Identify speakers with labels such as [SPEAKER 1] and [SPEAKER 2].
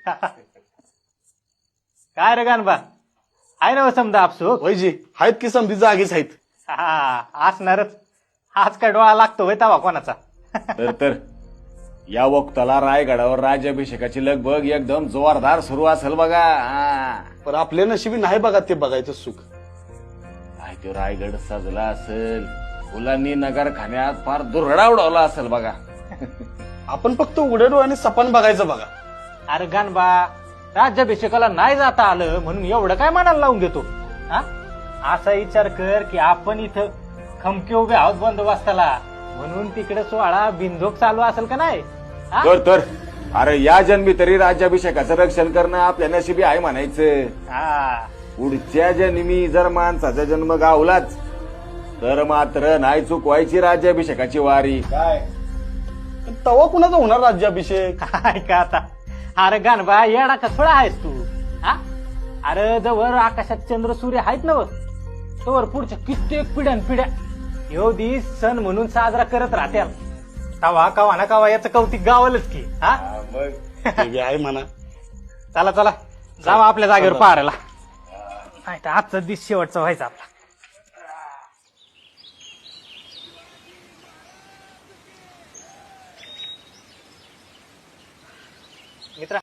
[SPEAKER 1] काय रे गानबा, आहे ना समजा आपसूक?
[SPEAKER 2] वैजी आहेत की समधी जागीच आहेत.
[SPEAKER 1] हा असणारच. आज काय डोळा लागतो होय तवा कोणाचा?
[SPEAKER 3] तर या वक्ताला रायगडावर राज्याभिषेकाची लगबग एकदम जोरदार सुरू असेल बघा.
[SPEAKER 2] पण आपल्या नशिबी नाही बघा ते बघायचं सुख.
[SPEAKER 3] काय तो रायगड सजला असेल, फुलांनी नगरखान्यात फार दुरडा उडवला असेल बघा.
[SPEAKER 2] आपण फक्त उघड्या डोळ्याने सपान बघायचं बघा.
[SPEAKER 1] अरे गानबा, राज्याभिषेकाला नाही जाता आलं म्हणून एवढं काय मनाला लावून देतो? हा, असा विचार कर की आपण इथं खमके उभे आहोत बंदोबस्ताला, म्हणून तिकडे सोहळा बिंदोक चालू असेल का नाही? हा?
[SPEAKER 3] तर अरे या जन्मी तरी राज्याभिषेकाचं रक्षण करणं आपल्या नशिबी आहे म्हणायचं.
[SPEAKER 1] हा.
[SPEAKER 3] पुढच्या जन्मी जर माणसाचा जन्म गावलाच तर मात्र नाही चुकवायची राज्याभिषेकाची वारी.
[SPEAKER 2] काय तवा कुणाचा होणार राज्याभिषेक?
[SPEAKER 1] काय का आता? अरे गानबा, येडा का थोडा आहेस तू? हा, अरे जवळ आकाशात चंद्र सूर्य आहेत ना, तवर पुढच्या कित्येक पिढ्या ह्यो दिस सण म्हणून साजरा करत राहत्या. तवा कवा ना कवा याचं कौतिक गावलच की. हा,
[SPEAKER 2] ते बी आहे म्हणा.
[SPEAKER 1] चला जावा आपल्या जागेवर पाहायला. नाही तर आजचा दिस शेवटचा व्हायचा आपला.